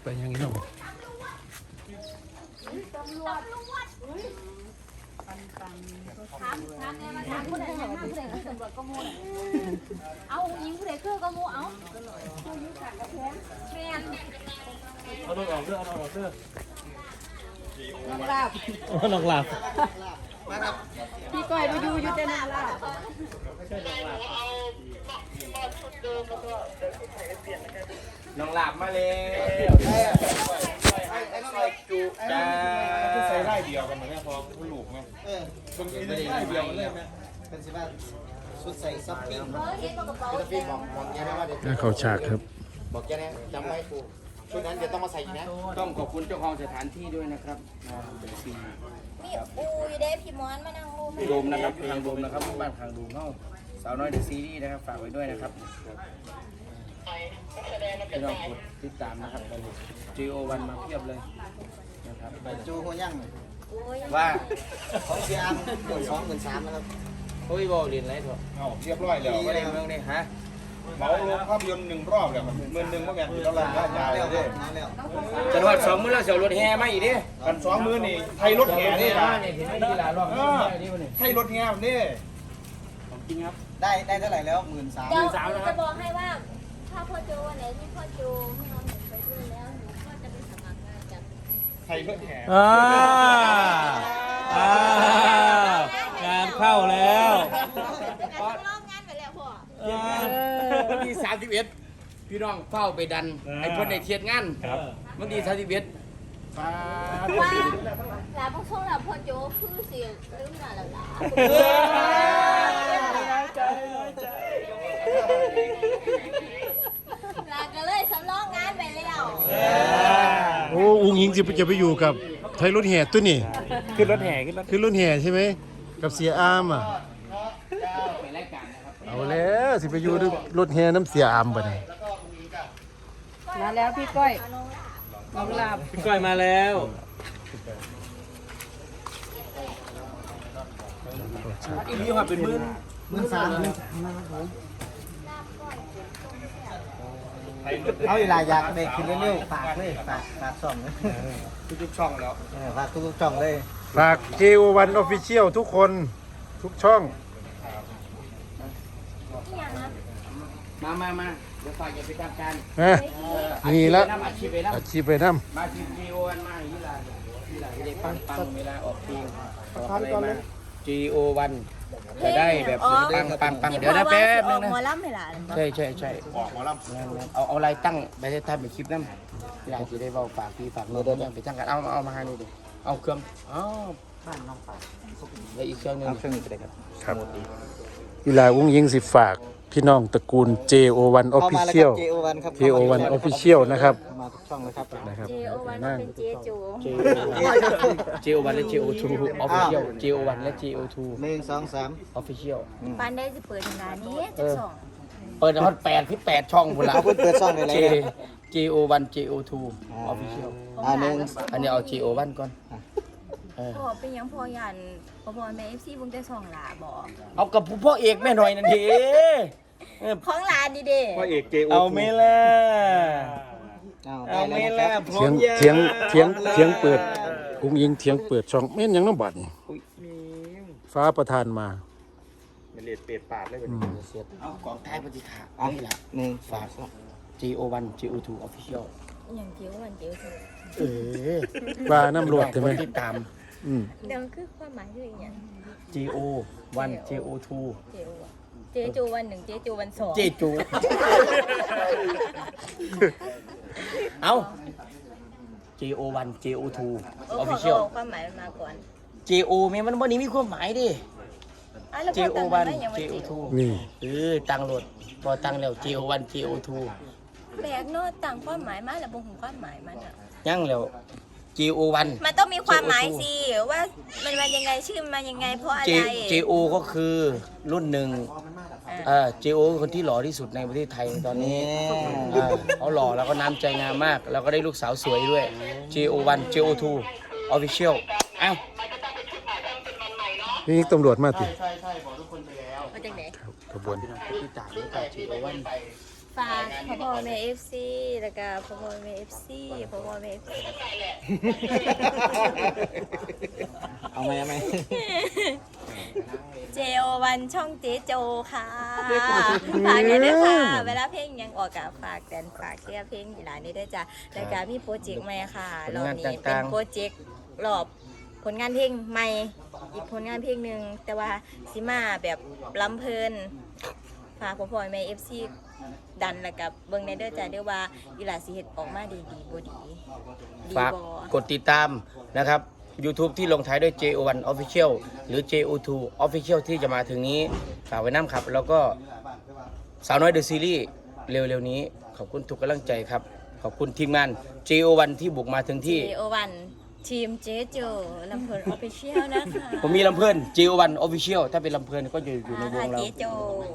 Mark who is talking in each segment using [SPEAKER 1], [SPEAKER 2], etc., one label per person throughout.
[SPEAKER 1] ยังนี้เนาะ
[SPEAKER 2] ถามผู้ใดถามผู้ใดคือตำรวจก็มูเอายิงผู้ใดคือก็มูเอาแม่น
[SPEAKER 3] เอาลงออกเสื้อเอาลงออกเสื้อ
[SPEAKER 2] น้องลาบ
[SPEAKER 1] น้องหลับ
[SPEAKER 2] พี่ก้อยมาอยู่แต่น้องลาบ
[SPEAKER 3] น้องหลับมาเลยใส่จุจ้าใส่ไล่เดียวกันเหมือนแม่พอผู้ลูกไหมคนกินได้ไล่เดียวกันเลยไหม
[SPEAKER 4] เป็นสิว่าชุดใส่ซับปิ้ง
[SPEAKER 2] เห็นกระเป๋า
[SPEAKER 4] พี่บอกแกได้ว่าเดี๋ยว
[SPEAKER 1] น่าเข้าฉากครับ
[SPEAKER 4] บอกแกนะจำไม่ถูกชุดนั้นเดี๋ยวต้องมาใส่อีกนะ
[SPEAKER 3] ต้องขอบคุณเจ้าของสถานที่ด้วยนะครับเป็นซี
[SPEAKER 2] มีอูอยู่เด้พี่มอนมานั่งรูป
[SPEAKER 3] โดมนะครับทางโดมนะครับบ้านทางโดมเข้าสาวน้อยเดอะซีรีส์นะครับฝากไว้ด้วยนะครับไม่ต้องกดติดตามนะครับJO1มาเพียบเลยนะครับ
[SPEAKER 4] จูหัวย่าง
[SPEAKER 3] ว่า
[SPEAKER 4] ของเสียอัน12,300นะครับ
[SPEAKER 3] โอ้ยบอกเรียนอะไรเถอะ
[SPEAKER 5] เอาเรียบร้อยแล้ว
[SPEAKER 3] ไม่ได้เมืองนี่ฮะ
[SPEAKER 5] เหมาลงภาพยนตร์1 รอบแล้วครับ11,000ว่าแม่นอยู่แล้วล่ะยาวเลย
[SPEAKER 4] น้ำแล้ว
[SPEAKER 3] จะทอด2 มื้อแล้วเสียวรถแห่มาอีกดิ
[SPEAKER 5] กัน2 มื้อนี่ไทยรถแห่นี่
[SPEAKER 3] นะ
[SPEAKER 5] นะ
[SPEAKER 3] เนี่ยเห็นไหมที่หลานรอบนี่วันนี้
[SPEAKER 5] ไทยรถแห่นี่
[SPEAKER 3] ของจริงครับ
[SPEAKER 4] ได้เท่าไหร่แล้ว13,000
[SPEAKER 2] เดี๋ยวจะบอกให้ว่าถ้าพ่อโจวันไหนที่พ่อโจไม่เอาหนูไปด้วยแล้วหนูก็จะไปสมัครงานกับ
[SPEAKER 5] ไทยรถแห่
[SPEAKER 1] งานเข้าแล้ว
[SPEAKER 2] รอบงานไปแล้วพ่อ
[SPEAKER 3] วันที่31พี่น้องเฝ้าไปดันไอ้เพิ่นได้เทียดงานวันที่31ป้า
[SPEAKER 2] ว่าลาพวกช่วงลาพ่อโจคือเสียงลืมหน้าแล้วล่ะลาก็เลยสำรองงานไปแล้ว
[SPEAKER 1] โอ้อุ้งยิงจะไปอยู่กับไทยรถแห่ตัวนี่
[SPEAKER 3] ขึ้นรถแห่ขึ้นรถ
[SPEAKER 1] คือรถแห่ใช่ไหมกับเสียอามอ่ะ
[SPEAKER 3] ไปรายการนะครับ
[SPEAKER 1] เอาแล้วสิไปอยู่ด้วยรถแห่น้ำเสียอามบ่ได้
[SPEAKER 6] มาแล้วพี่ก้อยน้องลาบ
[SPEAKER 1] พี่ก้อยมาแล้ว
[SPEAKER 3] อีนี้ว่าเป็นมื้อ
[SPEAKER 4] เอาเวลาอยากได้ขึ้นเร็วๆฝากเลยฝากช่องเลย
[SPEAKER 3] ทุกช่องแล้ว
[SPEAKER 4] ฝากทุกๆช่องเลย
[SPEAKER 1] ฝาก JO1 Official ทุกคนทุกช่อง
[SPEAKER 3] มาเดี๋ยวฝากอย่าไปทำการ
[SPEAKER 1] นะนี่แล้ว
[SPEAKER 3] อาชีพไปนะ
[SPEAKER 1] อาชีพไปน้
[SPEAKER 3] มาทีม JO1 มาที่ลาที่ได้ปังเวลาออกเพลงออกอะไรมา JO1 จะได้แบบปังเดี๋ยวนะแป๊บนึงนะ
[SPEAKER 2] หมอลำไม่ล่ะ
[SPEAKER 3] ใช่
[SPEAKER 5] ออกหมอลำ
[SPEAKER 3] เอาอะไรตั้งไปให้ท่านไปคลิปนั่นที่เราจะได้เบาฝากพี่ฝากเราเดินไปตั้งกันเอามาให้ดูดิเอาเครื่องบ้านน้องฝากแล้วอีกเครื่องนึงเครื่องนี้ก็ได้ครับ
[SPEAKER 1] ำครับกีฬาอุ้งยิงสิฝากพี่น้องตระกูล JO1
[SPEAKER 4] เข้ามาแล้วครั
[SPEAKER 1] Official
[SPEAKER 4] บ JO1 ครับ
[SPEAKER 1] JO1 Official นะครับ
[SPEAKER 4] มาทุกช่องเลยครับ
[SPEAKER 1] นะครับ
[SPEAKER 2] เจโอวันเป็นเจจู
[SPEAKER 3] JO1 และ JO2 Official JO1 และ JO2
[SPEAKER 4] 1 2 3
[SPEAKER 3] Official
[SPEAKER 2] ปานได้จะเปิดงานนี้จะสอง
[SPEAKER 3] เปิดฮอต8ที่8ช่องพุ่นละ
[SPEAKER 4] เอาเปิดช่องเลย
[SPEAKER 3] JO1 JO2 Official อันนี้เอา JO1 ก่อน
[SPEAKER 2] พ่อเป็นยังพ่อยันพ่อแม่FCบุ้งได้สองหลาบอก
[SPEAKER 3] เอากับพ่อเอกแม่หน่อยนั่นที
[SPEAKER 2] ของหลานดีเด้
[SPEAKER 5] พ่อเอกเจโอ
[SPEAKER 3] เอาไหม่ล่ะ
[SPEAKER 4] เอาไม่ละ
[SPEAKER 3] พร้อม
[SPEAKER 1] เถียงเปิดอุ้งยิงเถียงเปิดช่องแม่นยังน้ำบัดนี่ฟ้าประทานมา
[SPEAKER 5] เป็นเลดเป็ดปาดเลยเป็น
[SPEAKER 3] เอาของท้ายปฏิฆา
[SPEAKER 4] อ่ะ
[SPEAKER 3] นี่แหละ
[SPEAKER 4] 1
[SPEAKER 3] ฝาก JO1 JO2 Official
[SPEAKER 2] อย่างเจียววันเจียวถูก
[SPEAKER 1] ว่าน้ำรวดใช่ไหม
[SPEAKER 3] คนติดตาม
[SPEAKER 2] เดี๋ยวคือความหมายคืออย่าง
[SPEAKER 3] JO1 JO2
[SPEAKER 2] เจจูวันหนึ่งเจจูวันสอง
[SPEAKER 3] เจจู เอา JO1 JO2 Official
[SPEAKER 2] ความหมายมันมาก่อน
[SPEAKER 3] JO มันวันนี้มีความหมายดิ JO1 JO2
[SPEAKER 1] นี่
[SPEAKER 3] ตั้งโหลดพอตั้งแล้ว JO1 JO2
[SPEAKER 2] แบกโน้ตต่างความหมายมาแล้วบ่ฮู้ความหมายมันอ่ะ
[SPEAKER 3] ยังแล้ว JO1
[SPEAKER 2] มันต้องมีความหมายสิว่ามันมายังไงชื่อมันมายังไงเพราะอะไร
[SPEAKER 3] JO ก็คือรุ่นหนึ่งJO คือคนที่หล่อที่สุดในประเทศไทยตอนนี้เขาหล่อแล้วก็น้ำใจงามมาก แล้วก็ได้ลูกสาวสวยด้วย JO1 JO2 Official อ้าว
[SPEAKER 1] นี่ตำรวจมาติ
[SPEAKER 3] ใช่บอกทุกคนไปแล้ว
[SPEAKER 2] มาจากไหน
[SPEAKER 1] ขบวน
[SPEAKER 3] ที่ต่างด้วยกับ JO1 ฝ
[SPEAKER 2] ฝากพ่อแม่ FC แล้วก็พ่อแม่ FC พ่อแม่ FC
[SPEAKER 4] เอาไหม
[SPEAKER 2] JO1 ช่องเจโจค่ะฝากกันด้วยค่ะเวลาเพลงยังออกกับฝากแดนฝากเชียร์เพลงอีหลานนี้ด้วยจ้ะแล้วก็มีโปรเจกต์ใหม่ค่ะรอบนี้เป็นโปรเจกต์รอบผลงานเพลงใหม่อีกผลงานเพลงหนึ่งแต่ว่าสิมาแบบลำเพลินฝากพ่อแม่ FC ดันแล้วกับเบิ่งในเด้อจ้ะเดี๋ยวว่าอีหลาสิเฮ็ดออกมาดีบ่ดี
[SPEAKER 3] ฝากกดติดตามนะครับ YouTube ที่ลงท้ายด้วย JO1 Official หรือ JO2 Official ที่จะมาถึงนี้ฝากไว้น้ำครับ แล้วก็สาวน้อยเดอะซีรีส์เร็วๆนี้ขอบคุณทุกกำลังใจครับ ขอบคุณทีมงาน JO1 ที่บุกมาถึงที่
[SPEAKER 2] JO1 ทีมเจโจลำเพลิน Official นะคะ
[SPEAKER 3] ผมมีลำเพลิน JO1 Official ถ้าเป็นลำเพลินก็อยู่ในวงเรา
[SPEAKER 2] เจโจ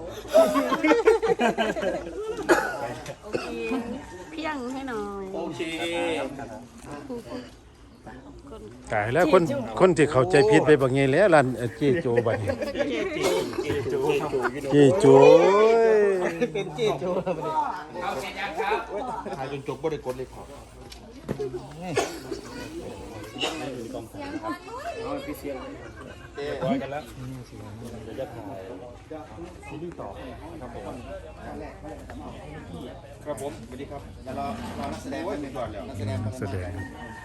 [SPEAKER 6] โอเคเพียงให้หน่อย
[SPEAKER 5] โอเค
[SPEAKER 1] ตายแล้วคนที่เข้าใจผิดไปบางไงแล้วร้านเจโจบัดนี้เจโจ
[SPEAKER 4] เป็นเจ๊โจ้
[SPEAKER 5] ถ่ายจนจบบ่ได้กดเลยครับร้อยกันแล้วเดี๋ยวจะถ่ายซีรีส์ต่อครับผมครับผมสวัสดีครับรอนักแสดงไว้ก่อนแล้วนักแสดง
[SPEAKER 1] แสดง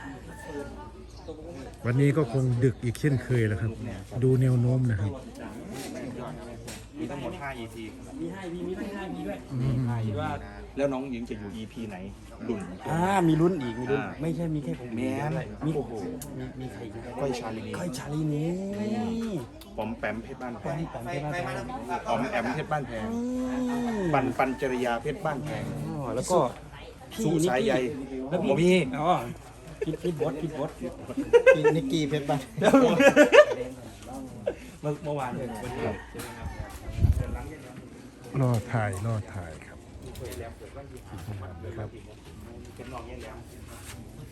[SPEAKER 1] วันนี้ก็คงดึกอีกเช่นเคยแล้วครับ ดูแนวโน้มนะครับ
[SPEAKER 5] มีทั้งหมด5 EP มี5 EP มีทั้ง5 EP ด้วยคิดว่าแล้วน้องหญิงจะอยู่ EP ไหนดุน
[SPEAKER 3] มีลุ้นอีกมีลุ้นไม่ใช่มีแค่ผม
[SPEAKER 5] แม่มีโอ้โห
[SPEAKER 3] มีใครอีก
[SPEAKER 5] ก้อยชาลีนี
[SPEAKER 3] ก้อยชาลีนี้
[SPEAKER 5] ปอมแปมเพชรบ้านแพง
[SPEAKER 3] ปันใช่ไหม
[SPEAKER 5] ปอมแอมเพชรบ้านแพงปันจริยาเพชรบ้านแพง
[SPEAKER 3] แล้วก็
[SPEAKER 5] สู้สายใยแล้วผมมี
[SPEAKER 3] พี่บอส
[SPEAKER 4] นิกกี้เพชรบ้าน
[SPEAKER 5] เมื่อวานวันนี้
[SPEAKER 1] รอถ่ายครับครับ